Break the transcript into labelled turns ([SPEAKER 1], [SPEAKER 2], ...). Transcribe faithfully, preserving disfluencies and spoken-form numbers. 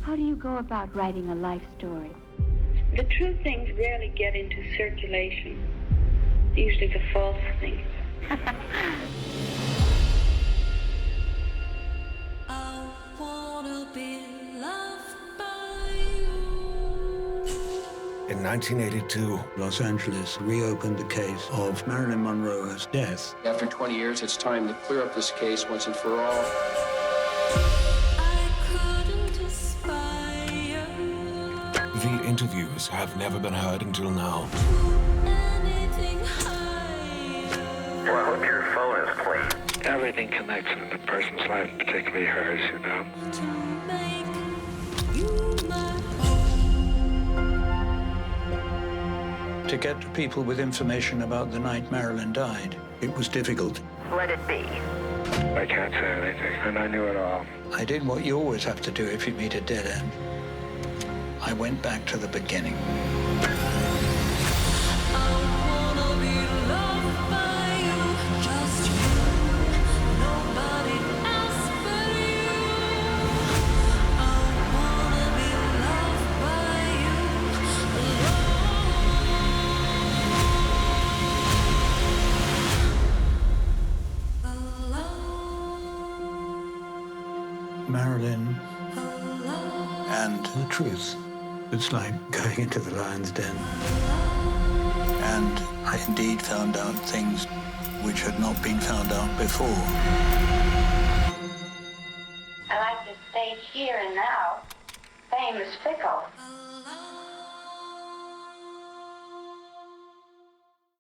[SPEAKER 1] How do you go about writing a life story?
[SPEAKER 2] The true things rarely get into circulation. Usually the false things.
[SPEAKER 3] I wanna be loved by you.
[SPEAKER 4] In nineteen eighty-two,
[SPEAKER 5] Los Angeles reopened the case of Marilyn Monroe's death.
[SPEAKER 6] After twenty years, it's time to clear up this case once and for all.
[SPEAKER 3] I couldn't aspire
[SPEAKER 4] the interviews have never been heard until now.
[SPEAKER 3] to anything higher.
[SPEAKER 7] Well, I hope your phone is clean.
[SPEAKER 8] Everything connects in a person's life, particularly hers, you know.
[SPEAKER 3] To make you my own.
[SPEAKER 5] To get to people with information about the night Marilyn died, it was difficult.
[SPEAKER 7] Let it be.
[SPEAKER 8] I can't say anything, and I knew it all.
[SPEAKER 5] I did what you always have to do if you meet a dead end. I went back to the beginning.
[SPEAKER 3] I wanna be loved by you, just you, nobody else but you. I wanna be loved by you alone.
[SPEAKER 5] Marilyn
[SPEAKER 3] Alone.
[SPEAKER 5] and the truth. It's like going into the lion's den. And I indeed found out things which had not been found out before.
[SPEAKER 2] I like to stay here and now. Fame is fickle.
[SPEAKER 3] Alone.